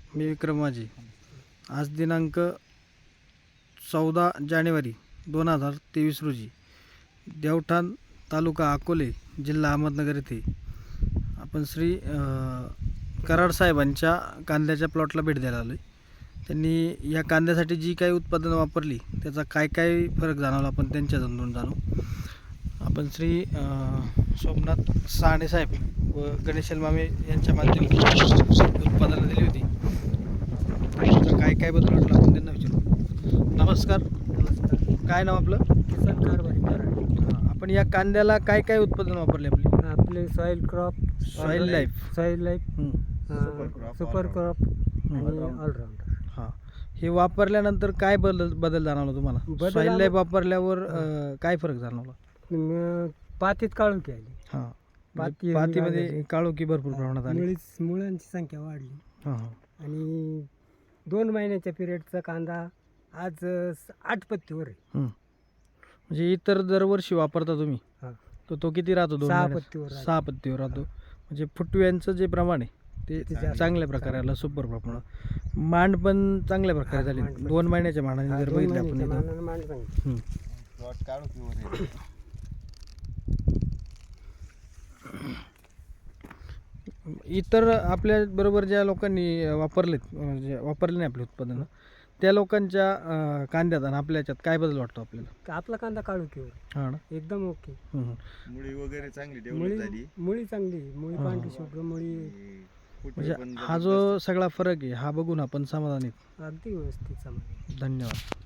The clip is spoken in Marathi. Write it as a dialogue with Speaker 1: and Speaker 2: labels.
Speaker 1: मी विक्रम माझी. आज दिनांक 14 जानेवारी 2023 रोजी देवठाण तालुका अकोले जिल्हा अहमदनगर येथे आपण श्री कराड साहेबांच्या कांद्याच्या प्लॉटला भेट द्यायला आलो आहे. त्यांनी या कांद्यासाठी जी काही उत्पादनं वापरली त्याचा काय काय फरक जाणवला आपण त्यांच्या तोंडून जाणू. आपण श्री सोमनाथ साने साहेब व गणेशल मामे यांच्या माध्यमातून उत्पादनं दिली होती. त्याचा काय काय बदल वाटला आपण त्यांना विचारू. नमस्कार. काय नाव आपलं?
Speaker 2: किसन कारभारी कराड.
Speaker 1: आपण या कांद्याला काय काय उत्पादन वापरले
Speaker 2: आपले soil crop,
Speaker 1: soil life,
Speaker 2: super crop आणि ऑलराऊंडर.
Speaker 1: हां, हे वापरल्यानंतर काय बदल जाणवला तुम्हाला? सॉईल लाईफ वापरल्यावर काय फरक जाणवला?
Speaker 2: पातीत काळोखी आली.
Speaker 1: हां, पातीमध्ये काळोखी भरपूर प्रमाणात आली.
Speaker 2: मुळांची संख्या वाढली.
Speaker 1: हां,
Speaker 2: आणि 2 महिन्याच्या पिरियडचा कांदा आज 8 पत्तीवर आहे.
Speaker 1: म्हणजे इतर दरवर्षी वापरता तुम्ही तर तो किती राहतो?
Speaker 2: 6 पत्तीवर.
Speaker 1: 6 पत्तीवर राहतो. म्हणजे फुटव्यांचं जे प्रमाण आहे ते चांगल्या प्रकारे आलं, सुपर प्रमाणात. मांड पण चांगल्या प्रकारे झाली. 2 महिन्याच्या मांडाने जर बघितलं आपण इतर आपल्या बरोबर ज्या लोकांनी वापरले नाही आपले उत्पादनं, त्या लोकांच्या कांद्यात आणि आपल्या याच्यात काय बदल वाटतो आपल्याला?
Speaker 2: आपला कांदा काळोखीवर.
Speaker 1: हां ना,
Speaker 2: एकदम ओके.
Speaker 3: मुळी वगैरे चांगली डेव्हलप झाली.
Speaker 2: मुळी चांगली, मुळी पांढरी शुभ्र मुळी.
Speaker 1: म्हणजे हा जो सगळा फरक आहे हा बघून आपण समाधानी.
Speaker 2: अगदी व्यवस्थित समाधान.
Speaker 1: धन्यवाद.